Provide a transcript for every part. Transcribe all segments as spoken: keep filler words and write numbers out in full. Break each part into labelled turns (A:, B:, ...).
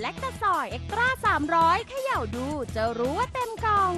A: ลคตาซอยเอ็กตร้าสามร้อยเขย่าดูจะรู้ว่าเต็มกล่อง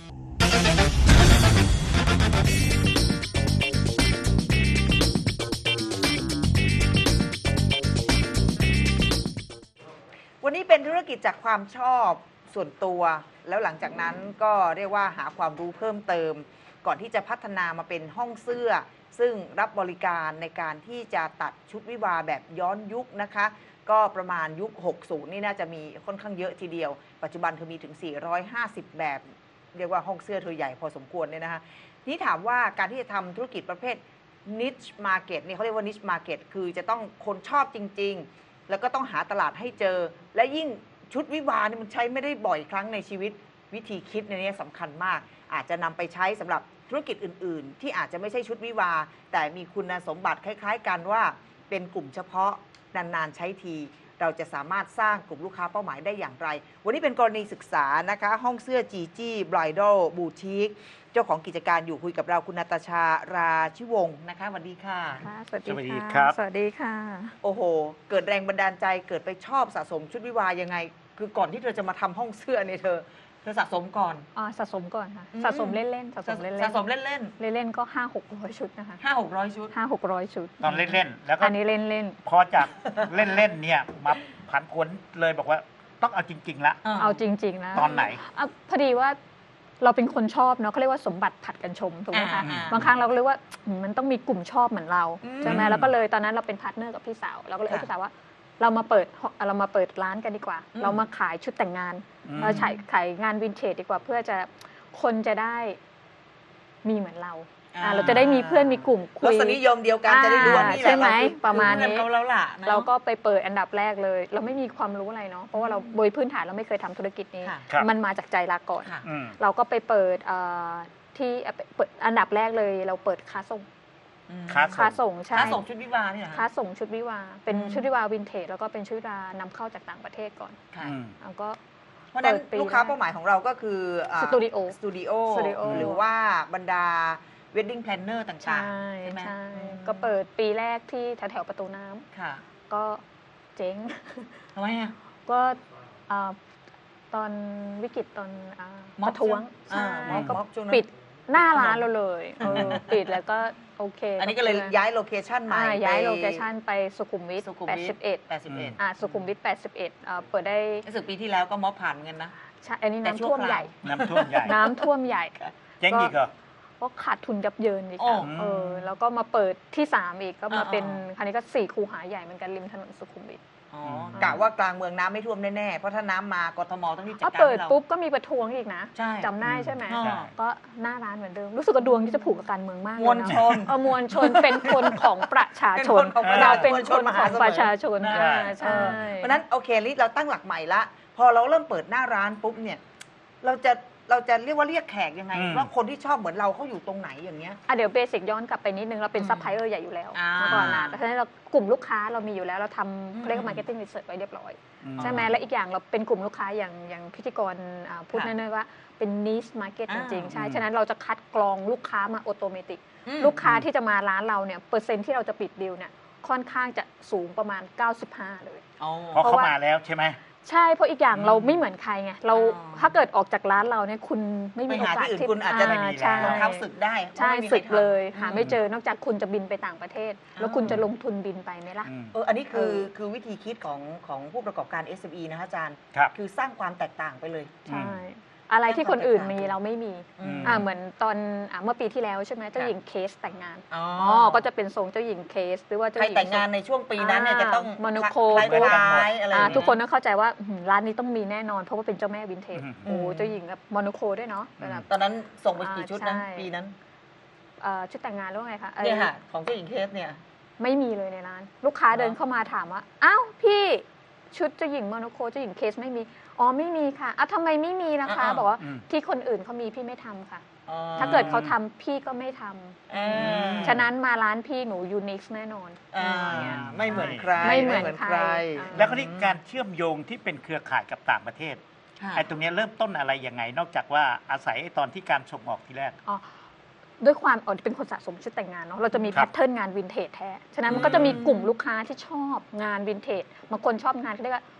B: วันนี้เป็นธุรกิจจากความชอบส่วนตัวแล้วหลังจากนั้นก็เรียกว่าหาความรู้เพิ่มเติมก่อนที่จะพัฒนามาเป็นห้องเสื้อซึ่งรับบริการในการที่จะตัดชุดวิวาแบบย้อนยุคนะคะก็ประมาณยุคหกสิบนี่น่าจะมีค่อนข้างเยอะทีเดียวปัจจุบันเธอมีถึงสี่ร้อยห้าสิบแบบเรียกว่าห้องเสื้อเธอใหญ่พอสมควรเนี่ยนะคะนี่ถามว่าการที่จะทำธุรกิจประเภท niche market นี่เขาเรียกว่า niche market คือจะต้องคนชอบจริงๆแล้วก็ต้องหาตลาดให้เจอและยิ่งชุดวิวานี่มันใช้ไม่ได้บ่อยครั้งในชีวิตวิธีคิดในนี้สำคัญมากอาจจะนำไปใช้สำหรับธุรกิจอื่นๆที่อาจจะไม่ใช่ชุดวิวาแต่มีคุณสมบัติคล้ายๆกันว่าเป็นกลุ่มเฉพาะนานๆใช้ทีเราจะสามารถสร้างกลุ่มลูกค้าเป้าหมายได้อย่างไรวันนี้เป็นกรณีศึกษานะคะห้องเสื้อจีจี้บรายดอลบูติกเจ้าของกิจการอยู่คุยกับเราคุณนาตาชาราชิวงศ์นะคะสวัสดีค่ะ
C: สวัสดีครับสวัสดีค่ะ
B: โอ้โหเกิดแรงบันดาลใจเกิดไปชอบสะสมชุดวิวายังไงคือก่อนที่เธอจะมาทำห้องเสื้อเนี่ยเธอเธอสะสมก่อน
C: อ๋อสะสมก่อนค่ะสะสมเล่นๆสะสมเล่นๆ
B: สะสมเล่นเล่น
C: เล่นๆก็ห้าหกร้อยชุดนะคะ
B: ห้าหกร้อยชุด
C: ห้าหกร้อยชุด
D: ตอนเล่นๆแล้วก็
C: อันนี้เล่น
D: ๆพอจากเล่นๆเนี่ยมาผันผวนเลยบอกว่าต้องเอาจริงๆละ
C: เอาจริงๆนะ
D: ตอนไหน
C: พอดีว่าเราเป็นคนชอบเนาะเขาเรียกว่าสมบัติผัดกันชมถูกไหมคะบางครั้งเราก็เรียกว่ามันต้องมีกลุ่มชอบเหมือนเราใช่ไหมแล้วก็เลยตอนนั้นเราเป็นพาร์ทเนอร์กับพี่สาวเราก็เลยพี่สาวว่าเรามาเปิดเรามาเปิดร้านกันดีกว่าเรามาขายชุดแต่งงานเราขายขายงานวินเทจดีกว่าเพื่อจะคนจะได้มีเหมือนเราเราจะได้มีเพื่อนมีกลุ่มคุย
B: รสนิยมเดียวกันจะได้รู้ว่านี่แหละ
C: ใช่ไหมประมาณนี้
B: เราล่ะ
C: เราก็ไปเปิดอันดับแรกเลย เราไม่มีความรู้อะไรเนาะเพราะว่าเราโดยพื้นฐานเราไม่เคยทำธุรกิจนี้มันมาจากใจรักก่อนเราก็ไปเปิดที่เปิดอันดับแรกเลยเราเปิดค้าส่งค้าส่งใช่
B: ค้าส่งชุดวิวาเนี่ย
C: ค้าส่งชุดวิวาเป็นชุดวิวาวินเทจแล้วก็เป็นชุดวิวานำเข้าจากต่างประเทศก่อนแล้วก็
B: เพราะนั้นลูกค้าเป้าหมายของเราก็คือ
C: สตูดิโอ
B: สตูดิโอหรือว่าบรรดาเวดดิ้งแพลนเนอร์ต่างๆใช่ไหม
C: ใช่ก็เปิดปีแรกที่แถวๆประตูน้ำก็เจ๊ง
B: ทำไมอ่ะ
C: ก็ตอนวิกฤตตอนประท้วงก็ปิดหน้าร้านเราเลยปิดแล้วก็โอเค
B: อันนี้ก็เลยย้ายโลเคชั่นใหม่
C: ย้ายโลเคชั่นไปสุขุมวิทแปดสิบเอ็ด
B: แปดสิบเอ็ด
C: อ่าสุขุมวิทแปดสิบเอ็ดเปิดได้
B: รู้สึกปีที่แล้วก็ม็อบผ่านเงินนะ
C: ใช่อันนี้น้ำท่วมใหญ่
D: น้ำท่วมใหญ่
C: น้ำท่วมใหญ่
D: เจ๊งอีกเหรอ
C: ก็ขาดทุนยับเยินอีกเออแล้วก็มาเปิดที่สามอีกก็มาเป็นคราวนี้ก็สี่คูหาใหญ่เหมือนกันริมถนนสุขุมวิท
B: กะว่ากลางเมืองน้ำไม่ท่วมแน่ๆเพราะถ้าน้ำมากทมต้องรีบจัดการ
C: เราเปิดปุ๊บก็มีประท้วงอีกนะจำได้ใช่ไหมก็หน้าร้านเหมือนเดิมรู้สึกกระดวงที่จะผูกกับการเมืองมาก
B: มวลชน
C: เออมวลชนเป็นคนของประชาชนเราเป็นคนของประชาชนใช่
B: เพราะนั้นโอเคลิเราตั้งหลักใหม่ละพอเราเริ่มเปิดหน้าร้านปุ๊บเนี่ยเราจะเราจะเรียกว่าเรียกแขกยังไงว่าคนที่ชอบเหมือนเราเขาอยู่ตรงไหนอย่างเงี้ย
C: อ่ะเดี๋ยวเบสิกย้อนกลับไปนิดนึงเราเป็นซัพพลายเออร์ใหญ่อยู่แล้วเมื่อก่อนนะเพราะฉะนั้นเรากลุ่มลูกค้าเรามีอยู่แล้วเราทำเรียกว่ามาร์เก็ตติ้งรีเสิร์ชไว้เรียบร้อยใช่ไหมและอีกอย่างเราเป็นกลุ่มลูกค้าอย่างอย่างพิธีกรพูดแน่ๆว่าเป็นนิชมาร์เก็ตจริงๆใช่ฉะนั้นเราจะคัดกรองลูกค้ามาออโตเมติกลูกค้าที่จะมาร้านเราเนี่ยเปอร์เซ็นต์ที่เราจะปิดดีลเนี่ยค่อนข้างจะสูงประมาณเก้าสิบห้าเลย
D: เพราะเขามาแล้วใช่ไหม
C: ใช่เพราะอีกอย่างเราไม่เหมือนใครไงเราถ้าเกิดออกจากร้านเราเนี่ยคุณไม่มีโอกาส
B: ที่คุณอาจจะรองเท้าสึกได้
C: ใช่สึกเลยหาไม่เจอนอกจากคุณจะบินไปต่างประเทศแล้วคุณจะลงทุนบินไปไหมล่ะ
B: เอออันนี้คือคือวิธีคิดของของผู้ประกอบการ เอส เอ็ม อี นะคะอาจารย์คือสร้างความแตกต่างไปเลย
C: ใช่อะไรที่คนอื่นมีเราไม่มีอ่าเหมือนตอนเมื่อปีที่แล้วใช่ไหมเจ้าหญิงเคสแต่งงานอ๋อก็จะเป็นทรงเจ้าหญิงเคสหรือว่าเจ้าหญิง
B: ใครแต่งงานในช่วงปีนั้นเนี่ยจะต้อง
C: โมโนโค
B: คล้ายๆอะไร
C: ทุกคนต้องเข้าใจว่าร้านนี้ต้องมีแน่นอนเพราะว่าเป็นเจ้าแม่วินเทจโอ้เจ้าหญิงแบบโมโนโคด้วยเนาะ
B: ตอนนั้นส่งไปกี่ชุดนะปีนั้น
C: ชุดแต่งงานแล้วไงคะ
B: เนี่ยค่ะของเจ้าหญิงเคสเนี่ย
C: ไม่มีเลยในร้านลูกค้าเดินเข้ามาถามว่าอ้าวพี่ชุดเจ้าหญิงโมโนโคเจ้าหญิงเคสไม่มีอ๋อไม่มีค่ะอ้าวทำไมไม่มีนะคะบอกว่าที่คนอื่นเขามีพี่ไม่ทำค่ะถ้าเกิดเขาทำพี่ก็ไม่ทำฉะนั้นมาร้านพี่หนูยูนิคแน่นอน
B: ไม่เหมือนใคร
C: ไม่เหมือนใคร
D: แล้วก็ที่การเชื่อมโยงที่เป็นเครือข่ายกับต่างประเทศไอ้ตรงนี้เริ่มต้นอะไรยังไงนอกจากว่าอาศัยตอนที่การส่งออกทีแรก
C: ด้วยความอ๋อเป็นคนสะสมชุดแต่งงานเนาะเราจะมีแพทเทิร์นงานวินเทจแท้ฉะนั้นมันก็จะมีกลุ่มลูกค้าที่ชอบงานวินเทจบางคนชอบงานที่เรียกว่า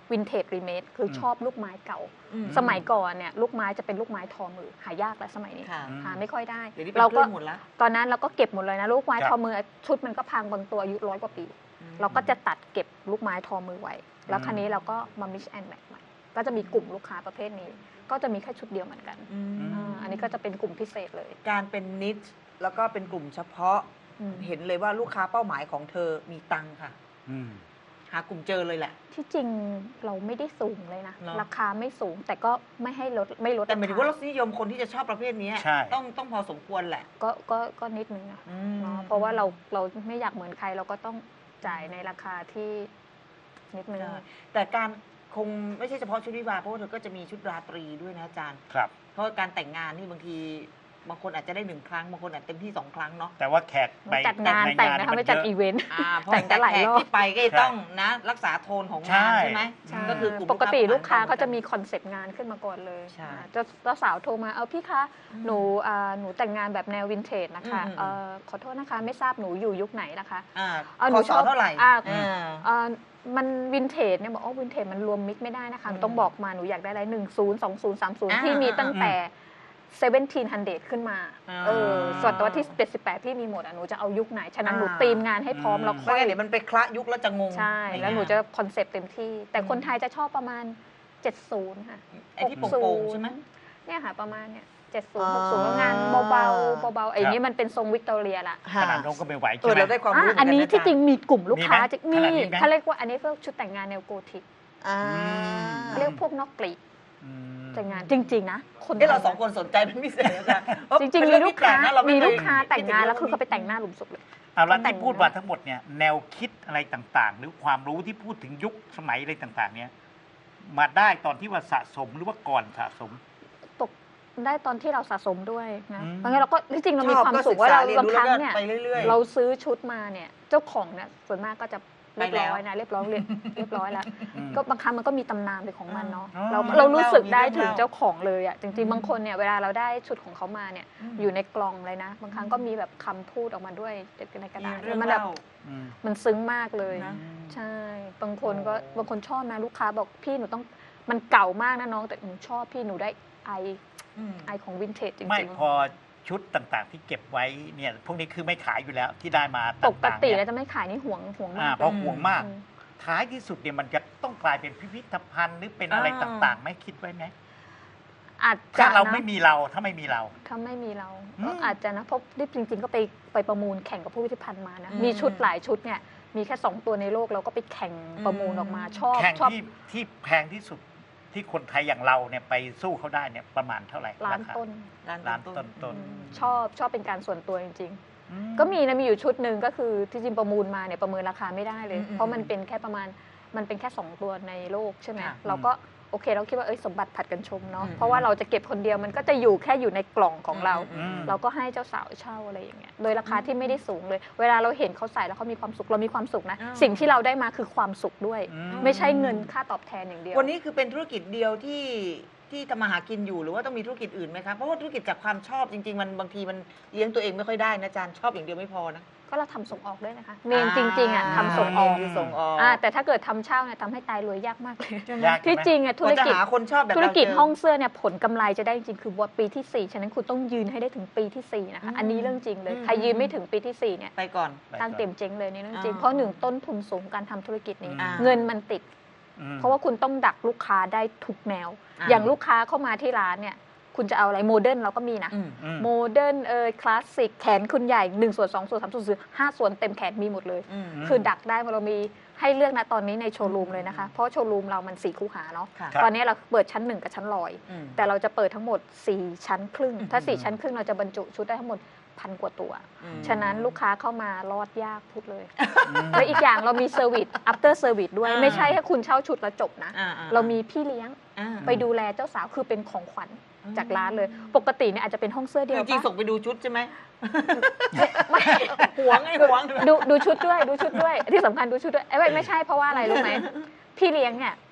C: วินเทจรีเมคคือชอบลูกไม้เก่า
B: อืม
C: สมัยก่อนเนี่ยลูกไม้จะเป็นลูกไม้ทอมือหายากแล้วสมัยนี้
B: ค่ะ
C: หาไม่ค่อยได้
B: เดี๋ยวนี้เป็น
C: เรา
B: เครื่
C: ก็
B: องหมดแล้ว
C: ตอนนั้นเราก็เก็บหมดเลยนะลูกไม้
D: ครับ
C: ทอมือชุดมันก็พังบางตัวอายุร้อยกว่าปี เราก็จะตัดเก็บลูกไม้ทอมือไว้ แล้วครั้นี้เราก็มา mix and match ใหม่ก็จะมีกลุ่มลูกค้าประเภทนี้ ก็จะมีแค่ชุดเดียวเหมือนกัน
B: อืม
C: อ่าอันนี้ก็จะเป็นกลุ่มพิเศษเลย
B: การเป็นนิชแล้วก็เป็นกลุ่มเฉพาะ
C: อืม
B: เห็นเลยว่าลูกค้าเป้าหมายของเธอมีตังค์ค่ะ
D: อืม
B: หากลุ่มเจอเลยแหละ
C: ที่จริงเราไม่ได้สูงเลยนะ
B: เนอะ
C: ราคาไม่สูงแต่ก็ไม่ให้ลดไม่ลด
B: แต่หมายถึงว่าร
C: ค
B: สนิยมคนที่จะชอบประเภทนี้
D: ใช่
B: ต้องต้องพอสมควรแหละ
C: ก็ก็ก็นิดนึงนะ
B: อืม
C: เนาะเพราะว่าเราเราไม่อยากเหมือนใครเราก็ต้องจ่ายในราคาที่นิดนึง
B: ใช่แต่การคงไม่ใช่เฉพาะชุดวิวาห์เพราะว่าเธอก็จะมีชุดราตรีด้วยนะอาจารย์
D: ครับ
B: เพราะว่าการแต่งงานนี่บางทีบางคนอาจจะได้หนึ่งครั้งบางคนอาจเต็มที่สองครั้งเนาะ
D: แต่ว่าแขกไป
C: จัดงานแต่งนะคะไม่จัดอีเวนต์
B: อ่าเพราะ
C: แต่งกันหลาย
B: แขก
C: รอบ
B: ที่ไปก็จะต้องนะ รักษาโทนของงานใช่ไหม
C: ใช่
B: ก็คือกลุ่ม
C: ปกติลูกค้า
B: เป้หมย
C: เขาจะมีคอนเซปต์งานขึ้นมาก่อนเลย
B: ใช่
C: อ่าเจ้าเจ้าสาวโทรมาเอาพี่คะ
B: อืม
C: หนูอ่าหนูแต่งงานแบบแนววินเทจนะคะ
B: อืมอืม
C: เอ่อขอโทษนะคะไม่ทราบหนูอยู่ยุคไหนนะคะ
B: อ่า
C: เอาห
B: พ
C: นู
B: อ
C: ช
B: ส
C: อบ
B: เท่าไหร่
C: อ่า
B: อ่า
C: เอ่อมันวินเทจเนี่ยบอกอ๋อวินเทจมันรวมมิกไม่ได้นะคะหนูต้อง
B: อืม
C: บอกมาหนูอยากได้อะไรหนึ่งศูนย์สองศูนย์สามศูนย์
B: อ่า
C: ที่มี
B: อ่า
C: ตั้งแต่เซเว่นทีนฮันเดขึ้นมา
B: อ่า
C: เออส่วนตัวที่เจ็ดสิบแปดที่มีหมดอ่ะหนูจะเอายุคไหน ฉะนั้นหนู
B: อ่า
C: ตีมงานให้พร้อม
D: อืม
C: แล้ว
B: เพ
C: ค่
B: ราะ
C: อย
B: งั้นเดี๋ยวมันไปคละยุคแล้วจะงง
C: ใช่
B: ไม่
C: แล้วหนู
B: งาม
C: จะคอนเซปต์เต็มที่ แต่คนไทยจะชอบประมาณ เจ็ดสิบ ค่ะ
B: ไอ้ที่โป่งๆใช่ไหม
C: เนี่ยค่ะประมาณเนี่ยเจ็ดสิบ
B: อ่า
C: หกสิบงานเบาๆเบาๆไอ้นี้มันเป็นทรงวิกตอเรียละ
D: ขนาดน้องก็ไม่ไหว
B: เอ
D: ใช่
B: อ
D: ไหม
B: เราได้ความรู้
C: อ่ะอันนี้
B: เหมืกัะ
C: ที่จริงมีกลุ่มลูกค้า
D: มีไหม
C: จะ
D: ข
C: มี
D: นาดนี้ไหม
C: เขาเรียกว่าอันนี้ก็ชุดแต่งงานแนวโกธิก
B: อ่า
C: เขาเรียกพวกนอกกรีก
D: อืม
C: แต่งงานจริง ๆ นะคน
B: เอ้เรา
C: ไทย
B: สองคนสนใจเป็นพิเศษอาจารย์เพาะ
C: จริง
B: เป็น
C: ๆ
B: เอ
C: มีลู
B: ที่
C: กค้า
B: แปนะเราไ
C: มี
B: เคย
C: ลูกค้าแต่งงาน
B: คิด
C: แล้วคือ
B: รื่
C: เขาไปแต่งหน้าหลุมศพเลย
D: เอาแล้ว
C: แต่ง
D: ที่พูดมาทั้งหมดเนี่ยแนวคิดอะไรต่างๆ หรือความรู้ที่พูดถึงยุคสมัยอะไรต่างๆ เนี่ยมาได้ตอนที่ว่าสะสมหรือว่าก่อนสะสม
C: ตกได้ตอนที่เราสะสมด้วยนะ
D: อืม
C: เพราะงั้นเราก็ที่จริงเรามี
B: ชอบ
C: ความ
B: ก็
C: สุขว่าเรา
B: ศึกษาเรียน
C: บาง
B: รู้
C: ครั้ง
B: แล้วก็
C: เนี่ย
B: ไปเรื่อยๆ
C: เราซื้อชุดมาเนี่ยเจ้าของเนี่ยส่วนมากก็จะเรียบ
B: ไปแล้ว
C: ร้อยนะเรียบร้อยเรียบเรียบร้อยแล้ว
D: อืม
C: ก็บางครั้งมันก็มีตำนานเป็นของมันเนาะ
D: อ๋อ
C: เรา
B: มี
C: เรารู้สึก
B: เรื่องเล่า
C: ได้ถึง
B: มีเรื่องเล่า
C: เจ้าของเลยอ่ะจริง
B: อืม
C: ๆบางคนเนี่ยเวลาเราได้ชุดของเขามาเนี่ย
B: อืม
C: อยู่ในกล่องเลยนะ บางครั้งก็มีแบบคำพูดออกมาด้วยในกระดาษ
B: มีเรื่อง
C: มันแบบ
B: เล่า
D: อืม
C: มันซึ้งมากเลย
B: นะ
C: ใช่บางคนก็
B: โอ้
C: บางคนชอบนะลูกค้าบอกพี่หนูต้องมันเก่ามากนะน้องแต่หนูชอบพี่หนูได้ไอ
B: อืม
C: ไอของวินเทจจริงๆ
D: ไม่พอชุดต่างๆ ที่เก็บไว้เนี่ยพวกนี้คือไม่ขายอยู่แล้วที่ได้มา
C: ปก
D: ต่างๆ
C: ติ
D: เนี่
C: แล้ว
D: ย
C: จะไม่ขายนี่ห่วงห่วง
D: อ่าม
C: าก
D: เพราะห่วงมาก
C: อืม
D: ท้ายที่สุดเนี่ยมันจะต้องกลายเป็นพิพิธภัณฑ์หรือเป็นอะไร
B: อ่า
D: ต่างๆ ไม่คิดไว้ไหม
C: อาจจะ
D: ถ้าเรา
C: นะ
D: ไม่มีเราถ้าไม่มีเรา
C: ถ้าไม่มีเรา
D: อืม
C: ก็อาจจะนะเพราะนี่จริง ๆ ก็ไปไปประมูลแข่งกับผู้พิพิธภัณฑ์มานะ
B: อืม
C: มีชุดหลายชุดเนี่ยมีแค่สองตัวในโลกเราก็ไปแข่งประมูลออกมาชอบ
D: แข่ง
C: ชอบ
D: ที่ที่แพงที่สุดที่คนไทยอย่างเราเนี่ยไปสู้เขาได้เนี่ยประมาณเท่าไหร่
C: ล้าน
D: รค
C: ต้น
D: ล้านต้นต้น
C: อืมชอบชอบเป็นการส่วนตัวจริง
D: อื
C: ๆ ก็มีนะมีอยู่ชุดหนึ่งก็คือที่จริงประมูลมาเนี่ยประเมินราคาไม่ได้เลย
B: อืม
C: เพราะมันเป็นแค่ประมาณมันเป็นแค่สองตัวในโลกใช่ไหม
B: ค่ะ
C: เราก็โอเคเราคิดว่าเอ้ยสมบัติผัดกันชมเนาะ
B: อืม
C: เพราะว่าเราจะเก็บคนเดียวมันก็จะอยู่แค่อยู่ในกล่องของเรา
B: อืม
C: เราก็ให้เจ้าสาวเช่าอะไรอย่างเงี้ย โดยราคาที่ไม่ได้สูงเลย เวลาเราเห็นเขาใส่แล้วเขามีความสุข เรามีความสุขนะ
B: อ่า
C: สิ่งที่เราได้มาคือความสุขด้วย
D: อืม
C: ไม่ใช่เงินค่าตอบแทนอย่างเดียว
B: วันนี้คือเป็นธุรกิจเดียวที่ที่ทำมาหากินอยู่หรือว่าต้องมีธุรกิจอื่นไหมคะเพราะว่าธุรกิจจากความชอบจริง ๆ มันบางทีมันเลี้ยงตัวเองไม่ค่อยได้นะอาจารย์ชอบอย่างเดียวไม่พอนะ
C: ก็เราทำส่งออกด้วยนะคะ เมนจริงๆอ่ะทำส่งออก
B: คือส่งออก
C: อ่าแต่ถ้าเกิดทำเช่าเนี่ยทำให้ตายรวยยากมากเลย
D: ยาก
C: ที่
D: ใช่ไหม
C: จริงอ่ะธุ
B: ก
C: ร
B: ว่าจะ
C: กิจ
B: หาคนชอบแบบ
C: ธุรกิจ
B: เราเจ
C: ห้องเสื้อเนี่ยผลกำไรจะได้จริงๆคือว่าปีที่สี่ฉะนั้นคุณต้องยืนให้ได้ถึงปีที่สี่นะคะ
B: อืม
C: อันนี้เรื่องจริงเลย
B: อืม
C: ใครยืนไม่ถึงปีที่สี่เนี่ย
B: ไปก่อน
C: ตั้งเต็มเจ๊งเลยนี่เรื่องจริง
B: อ่า
C: เพราะหนึ่งต้นทุนสูงการทำธุรกิจนี้
B: อ่า
C: เงินมันติด
D: อืม
C: เพราะว่าคุณต้องดักลูกค้าได้ทุกแนว
B: อ่า
C: อย่างลูกค้าเข้ามาที่ร้านเนี่ย คุณจะเอาอะไรโมเดิร์นเราก็มีนะ
B: อืม
D: อืม
C: โมเดิร์นเอยคลาสสิกแขนคุณใหญ่หนึ่งส่วนสองส่วนสามส่วนสี่ห้าส่วนเต็มแขนมีหมดเลย
B: อืม
D: ม
C: คือดักได้เรามีให้เลือกนะตอนนี้ในโชว์รูมเลยนะคะ เพราะโชว์รูมเรามันสี่คูหาเนาะ
B: ค่ะ
D: ครับ
C: ตอนนี้เราเปิดชั้นหนึ่งกับชั้นลอย
B: อืม
C: แต่เราจะเปิดทั้งหมดสี่ชั้นครึ่ง ถ้า
B: อืม
C: สี่ชั้นครึ่งเราจะบรรจุชุดได้ทั้งหมดพันกว่าตัว
B: อืม
C: ฉะนั้นลูกค้าเข้ามารอดยากพูดเลย
D: อืม
C: แล้วอีกอย่างเรามีเซอร์วิส after service ด้วย
B: อ่า
C: ไม่ใช่แค่คุณเช่าชุดแล้วจบนะ
B: อ่ๆ
C: เรามีพี่เลี้ยง
B: อ่า
C: ไปดูแลเจ้าสาวคือเป็นของขวัญ
B: อืม
C: จากร้านเลย ปกติเนี่ยอาจจะเป็นห้องเสื้อเดียว
B: จริงๆ
C: ปะ
B: ส่งไปดูชุดใช่ไหม
C: ไม่
B: หวงไอ้หวง
C: ดูดูชุดด้วยดูชุดด้วย ที่สำคัญดูชุดด้วยเอ้ยไม่ใช่เพราะว่าอะไรรู้ไหมพี่เลี้ยงเนี่ย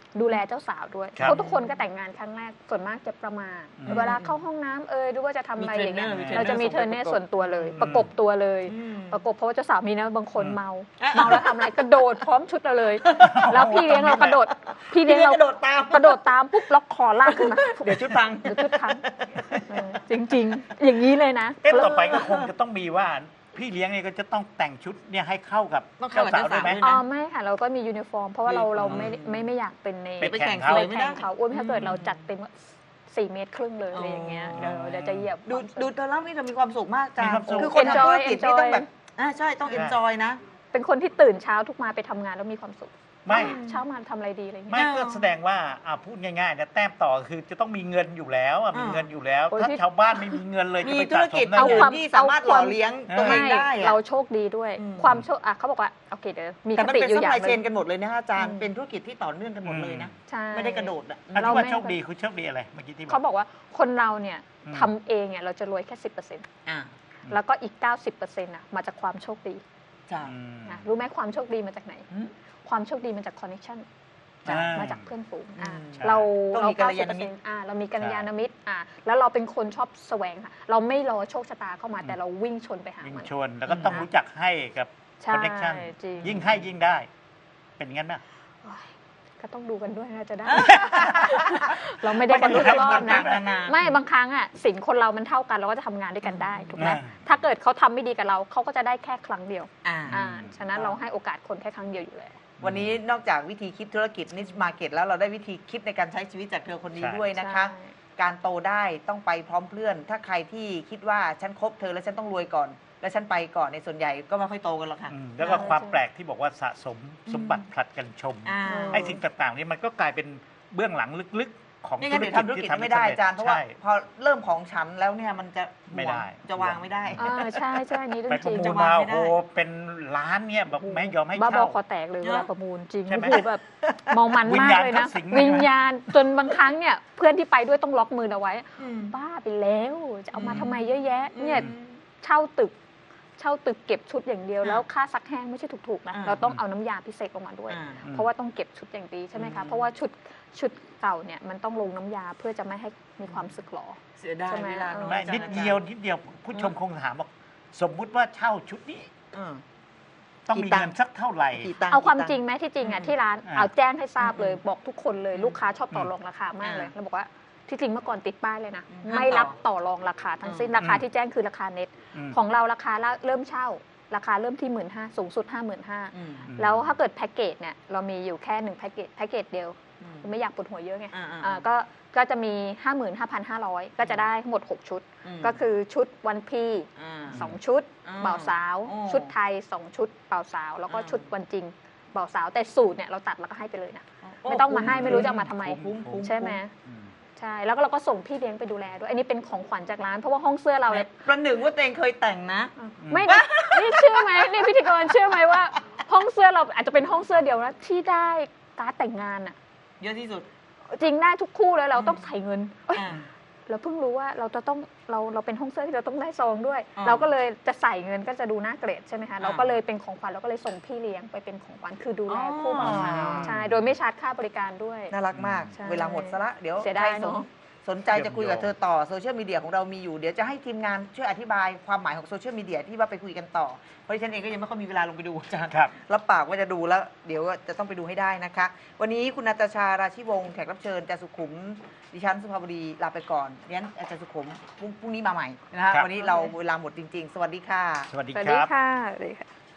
C: ดูแลเจ้าสาวด้วย
D: ครับ
C: เพราะทุกคนก็แต่งงานครั้งแรกส่วนมากจะประมาท
D: อืม
C: เวลาเข้าห้องน้ำเอยหรือว่าจะทำอะไรอย่างเงี้ย
B: มีเทรนเนอร์
C: เราจะมีเทรนเนอร์ส่วนตัวเลย
D: อืม
C: ประกบตัวเลย
B: อืม
C: ประกบเพราะว่าเจ้าสาวมีนะบางคน
D: อืม
C: เมาเมาแล้วทำอะไรกระโดดพร้อมชุดเราเลย แล้วพี่เลี้ยงเรากระโดดพี่
B: พี่
C: เลี้ยง
B: เลี้ยง
C: เรา
B: กระโดดตาม
C: กระโดดตามปุ๊บล็อกคอลากขึ้นมา
B: เดี๋ยวชุดพัง
C: เดี๋ยวชุดพังเออจริง ๆ อย่างนี้เลยนะ
D: เอ๊ะต่อไปก็คงจะต้องมีว่าพี่เลี้ยงเนี่ยก็จะต้องแต่งชุดเนี่ยให้เข้ากับ
B: ต้องเข้า
D: เจ้า
B: กับ
D: สาวด้วยไหม
B: เจ้าสาวด้วย
C: อ๋
B: นะ
C: อไม่ค่ะเราก็มียูนิฟอร์ม เพราะว่าเราเราไม่
B: อืม
C: ไม่ไม่อยากเป็นใน
D: ไปแข่ง
B: เขา
C: ไป
B: ไม่ได้
C: แข่งเขาอ้วนถ้าเกิดเราจัดเต็มสี่เมตรครึ่งเลยอะไรอย่างเงี้ยเดี๋ยวเดี๋ยวจะเหยียบ
B: ดูดูเธอเล่านี่เธอมีความสุขมากจ้า
D: มีความสุข
B: คือคนทำธุรกิจนี่
C: Enjoy
B: ต้องแบบอ่าใช่ต้องเอนจอยนะ
C: เป็นคนที่ตื่นเช้าทุกมาไปทำงานแล้วมีความสุข
D: ไม่
C: เช้ามาทำอะไรดีอะไรอย่าง
D: ไม่
C: เงี้ย
D: ก็แสดงว่าอ่าพูดง่ายๆนะแต้มต่อคือจะต้องมีเงินอยู่แล้วอ่ะมี
B: อ่า
D: เงินอยู่แล้ว
C: โอ้ย
D: ถ้า
C: ที่
D: ชาวบ้านไม่มีเงินเลยจะ
B: มี
D: ไป
B: ธุร
D: สะส
B: กิจ
D: มได้
B: เอา
D: ไง
B: ความที่สามารถหล่อเลี้ยงตัวเอง
C: ไม่
B: ได้อะ
C: เราโชคดีด้วย
B: อืม
C: ความโชคอ่ะเขาบอกว่าโอเคเดี๋ยวมี
B: แต่
C: ค
B: มัน
C: ติ
B: เป็น
C: อยู่
B: ซัพ
C: อย่า
B: พลาย
C: งห
B: เช
C: นึ่
B: น
C: ง
B: กันหมดเลยนะอาจารย์
C: อืม
B: เป็นธุรกิจที่ต่อเนื่องกันหมดเลยนะ
C: ใช่
B: ไม่ได้กระโดดอ่ะ
D: อัน
C: เรา
D: ที่ว่า
C: ไม่
D: โชคดีคือโชคดีอะไรเมื่อกี้ที่บ
C: เขา
D: อก
C: บอกว่าคนเราเนี่ย
D: อืม
C: ทำเองเนี่ยเราจะรวยแค่สิบเปอร์เซ็นต์
B: อ่า
C: แล้วก็อีกเก้าสิบเปอร์เซ็นต์อ่ะมาจากความโชคดี
B: จ้า
D: อืม
C: นะรู้ไหมความโชคดีมาจากไหน
B: อืม
C: ความโชคดีมาจากคอนเนคชั่น
D: อ่า
C: มาจากเพื่อนฝูงอ่ะ
B: อืม
D: ใช่
C: เรา
B: ต้อง
C: เรา
B: มีกัลยาณมิตร
C: เก้าสิบเปอร์เซ็นต์อ่ะเรามีกัลยาณมิตรอ่ะแล้วเราเป็นคนชอบแสวงค่ะเราไม่รอโชคชะตาเข้ามาแต่เราวิ่งชนไปหา
D: ยิ่ง
C: มัน
D: ชวนแล้วก็ต้องรู้จักให้กับ
C: ใช่
D: คอนเนคชั่น
C: จริง
D: ยิ่งให้ยิ่งได้ เป็นงั้นไหม
C: โอ้ยก็ต้องดูกันด้วยนะจะได้ เราไม่ได้กันทุกรอบนะ
B: นานา
C: ไม่บางครั้งอ่ะสินคนเรามันเท่ากันเราก็จะทำงานด้วยกันได้ถูกไหม
D: อ่า
C: ถ้าเกิดเขาทำไม่ดีกับเราเขาก็จะได้แค่ครั้งเดียว
B: อ่า
C: อ่าฉะนั้นเราให้โอกาสคนแค่ครั้งเดียวอยู่แล้ว
B: วันนี้นอกจากวิธีคิดธุรกิจนิชมาเก็ตแล้วเราได้วิธีคิดในการใช้ชีวิตจากเธอคนนี้
D: ใช่
B: ด้วยนะคะ
C: ใช่
B: การโตได้ต้องไปพร้อมเพื่อน ถ้าใครที่คิดว่าฉันคบเธอแล้วฉันต้องรวยก่อน แล้วฉันไปก่อนในส่วนใหญ่ก็ไม่ค่อยโตกันหรอกค่ะ
D: อืมแล้วก็ความแปลกที่บอกว่าสะสมสมบัติผลัดกันชม
B: อ่า
D: ไอ้สิ่งต่างๆนี่มันก็กลายเป็นเบื้องหลังลึกๆ ของ
B: นี่
D: ธุ
B: งั้น
D: ร
B: เดี๋ยว
D: กิจ
B: ทำธุร
D: ที่
B: กิจ
D: ทำ
B: ไม่ได้อาจารย์เพราะว่า
D: ใช่
B: พอเริ่มของฉันแล้วเนี่ยมันจะ
D: ไม่ได้
B: จะวางไม่ได้
C: อ่าใช่ใช่อันนี้เรื่อ
D: ไป
C: ง
D: ป
C: จ
D: ระ
C: ริง
D: มูล
B: จะวาม
D: าง
B: ไม่
D: โอ้
B: ได้
D: โหเป็นล้านเนี่ยแบบไม่ยอมให้
C: บ้าบอ
D: เช่า
C: คอแตกเลยเวลาประมูลจริง
D: ใช่ไหม
C: โอ้โหแบบเมามัน
D: วิ
C: มา
D: ญ
C: ก
D: ญาณ
C: เลยนะ
D: เข้าสิงเลยนะ
C: วิญญาณจนบางครั้งเนี่ยเพื่อนที่ไปด้วยต้องล็อกมือเอาไว้ บ้าไปแล้วจะเอามาทำไมเยอะแยะเนี่ยเช่าตึก เช่าตึกเก็บชุดอย่างเดียว
B: อ่า
C: แล้วค่าซักแห้งไม่ใช่ถูกๆนะ
B: อ่า
C: เราต้องเอาน้ำยาพิเศษออกมาด้วย
B: อ่า
D: อืม
C: เพราะว่าต้องเก็บชุดอย่างดีใช่ไหม
B: อื
C: คะ
B: ม
C: เพราะว่าชุดชุดเก่าเนี่ยมันต้องลงน้ำยาเพื่อจะไม่ให้มีความสึกหรอ
B: เสียดาย
C: ใช่ไหม
B: เวลา
C: เออ
D: ไม่
B: อาจาร
D: นิดเดียวนิดเดียวผู้ชมคงถามว่าสมมุติว่าเช่าชุดนี้
B: อืม
D: ต้อง
B: กี่
D: มี
B: ตังค์
D: เงินสักเท่าไหร่
B: กี่ตังค์
C: เอาความ
B: กี่ตั
C: จริ
B: ค์
C: งไหมที่จริงอ่ะ
B: อืม
C: ที่ร้าน
D: อ่า
C: เอาแจ้งให้ทราบเลย
B: อืม
C: บอกทุกคนเลย
B: อืม
C: ลูกค้าชอบต่ออ
D: ม
C: รองราคามากเลย
B: อ่า
C: แล้วบอกว่าที่จริงเมื่อก่อนติดป้ายเลยนะ
B: อืม
C: ไม่
B: ห้ามต่อ
C: รับต่อรองราคาทั้งสิ้น
B: อืม
C: ราคาที่แจ้งคือราคาเน็ต
D: ม
C: ของเราราคาละเริ่มเช่า ราคาเริ่มที่หมื่นห้าสูงสุดห้าหมื่นห้า
B: อืม
D: อืม
C: แล้วถ้าเกิดแพ็กเกจเนี่ยเรามีอยู่แค่หนึ่งแพ็กเกจแพ็กเกจเดียว
B: อืม
C: ไม่อยากปวดหัวเยอะไง
B: อ่าๆ
C: อ่าก็ก็จะมี ห้าหมื่นห้าพันห้าร้อย ก็จะได้ทั้งหมดหกชุด
B: ม
C: ก็คือชุดวันพี
B: อ่า
C: สองชุด
B: อ่า
C: เบ่าวสาว
B: โอ้
C: ชุดไทยสองชุดเบ่าวสาว แล้วก็
B: อ่า
C: ชุดวันจริงเบ่าวสาวแต่สูตรเนี่ยเราตัดแล้วก็ให้ไปเลยนะ
B: โอ้
C: ไม่ต้องมาให้ไม่รู้จะเอามาทำไม
B: คุ้มคุ้ม
C: ใช่ไหม
D: อืม
C: ใช่แล้วก็เราก็ส่งพี่เลี้ยงไปดูแลด้วยอันนี้เป็นของขวัญจากร้านเพราะว่าห้องเสื้อเราเนี่ย
B: ประหนึ่งว่าตัวเองเคยแต่งนะ
C: ไม่นะนี่เชื่อไหมนี่พิธีกรเชื่อไหมว่า ห้องเสื้อเราอาจจะเป็นห้องเสื้อเดียวนะที่ได้การ์ดแต่งงานอะ
B: เยอะที่สุด
C: จริงได้ทุกคู่เลยเรา
B: อืม
C: ต้องใส่เงินเอ้ย
B: อ่า
C: เราเพิ่งรู้ว่าเราจะต้องเราเราเป็นห้องเสื้อที่เราต้องได้ซองด้วย
B: อ่า
C: เราก็เลยจะใส่เงินก็จะดูน่าเกลียดใช่ไหมคะ
B: อ่า
C: เราก็เลยเป็นของขวัญเราก็เลยส่งพี่เลี้ยงไปเป็นของขวัญคือดูแล
B: อ๋อ
C: คู่บ่าวสาวใช่โดยไม่ชาร์จค่าบริการด้วย
B: น่ารักมาก
C: ใช่
B: เวลาหมดซะละเดี๋ยว
C: เสียดาย
B: ใครสน
C: เนอะ
B: สนใจจะคุยกับเธอต่อโซเชียลมีเดียของเรามีอยู่ เดี๋ยวจะให้ทีมงานช่วยอธิบายความหมายของโซเชียลมีเดียที่ว่าไปคุยกันต่อ เพราะดิฉันเองก็ยังไม่ค่อยมีเวลาลงไปดูอาจารย์
D: ครับ
B: รับปากว่าจะดูแล้ว เดี๋ยวจะต้องไปดูให้ได้นะคะ วันนี้คุณนาตาชาราชิวงศ์แขกรับเชิญอาจารย์สุขุม ดิฉันสุภาพดีลาไปก่อนดิฉันอาจารย์สุขุมพรุ่งพรุ่งนี้มาใหม่นะคะ
D: ครับ
B: วันนี้เราเวลาหมดจริง ๆ สวัสดีค่ะ
D: สวัสดี
C: สวัส
D: ค
C: ดี
D: รับ
C: ค่ะสวัสดีค่ะ